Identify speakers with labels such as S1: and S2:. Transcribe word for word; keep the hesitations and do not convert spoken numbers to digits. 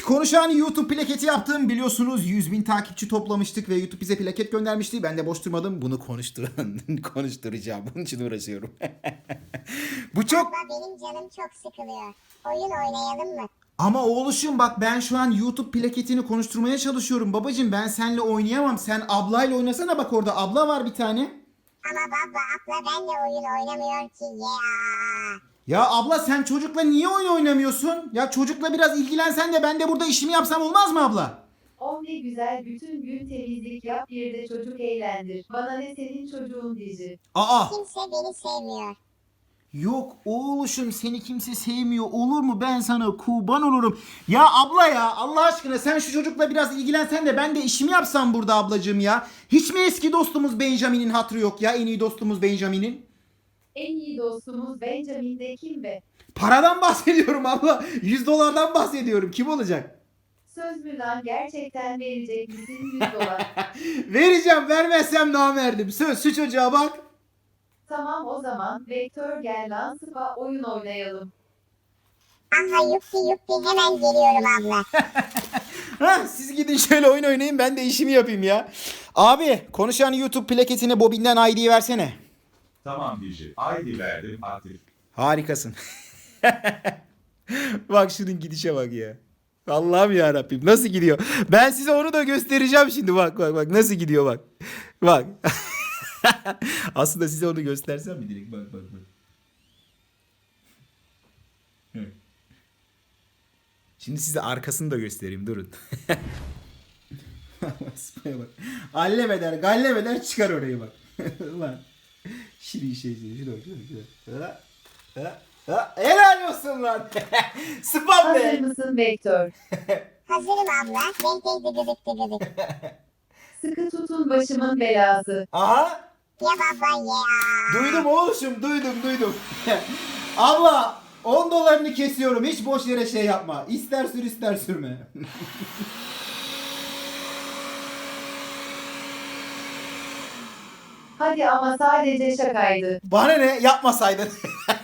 S1: konuşan YouTube plaketi yaptım. Biliyorsunuz yüz bin takipçi toplamıştık ve YouTube bize plaket göndermişti. Ben de boş durmadım. Bunu konuşturan, konuşturacağım. Bunun için uğraşıyorum. Bu çok...
S2: Baba benim canım çok sıkılıyor. Oyun oynayalım mı?
S1: Ama oğluşum bak ben şu an YouTube plaketini konuşturmaya çalışıyorum. Babacım ben seninle oynayamam. Sen ablayla oynasana, bak orada abla var bir tane.
S2: Ama baba abla benle oyun oynamıyor ki ya.
S1: Ya abla sen çocukla niye oyun oynamıyorsun? Ya çocukla biraz ilgilensen de ben de burada işimi yapsam olmaz mı abla?
S3: Oh ne güzel, bütün gün temizlik yap, bir de çocuk eğlendir. Bana ne senin çocuğun dizi.
S1: Aa!
S2: Kimse beni sevmiyor.
S1: Yok oğluşum, seni kimse sevmiyor olur mu, ben sana kurban olurum. Ya abla ya Allah aşkına sen şu çocukla biraz ilgilensen de ben de işimi yapsam burada ablacığım ya. Hiç mi eski dostumuz Benjamin'in hatırı yok ya, en iyi dostumuz Benjamin'in?
S3: En iyi dostumuz Benjamin de kim be?
S1: Paradan bahsediyorum abla, yüz dolardan bahsediyorum, kim olacak?
S3: Söz mü lan, gerçekten verecek misin yüz dolar?
S1: Vereceğim, vermezsem namerdim, söz, şu çocuğa bak.
S3: Tamam o zaman, Vektör gel lan spa oyun oynayalım.
S2: Aha yuppi yuppi hemen geliyorum abla.
S1: Hah, siz gidin şöyle oyun oynayın, ben de işimi yapayım ya. Abi konuşan YouTube plaketine bobinden I D'yi versene.
S4: Tamam Dici. I D verdim aktif.
S1: Harikasın. Bak şunun gidişe bak ya. Allah'ım ya Rabbim nasıl gidiyor? Ben size onu da göstereceğim şimdi, bak bak bak nasıl gidiyor bak. Bak. Aslında size onu göstersem mi direkt, bak bak bak. Evet. Şimdi size arkasını da göstereyim, durun. Spaya bak. Allem eder, gallem eder, çıkar orayı bak. Ulan. Şirin şey şey. Şuna bak, şuna bak. Ha, ha, ha. Helal olsun lan. Spam
S3: Hazır
S1: be.
S3: mısın Vektör?
S2: Hazırım abla. Denk değdi gıdık gıdık.
S3: Sıkı tutun başımın belası.
S1: Aha.
S2: Ya baba ya.
S1: Duydum oğlum, duydum duydum. Abla on dolarını kesiyorum, hiç boş yere şey yapma. İster sür ister sürme.
S3: Hadi ama sadece şakaydı.
S1: Bana ne, yapmasaydın.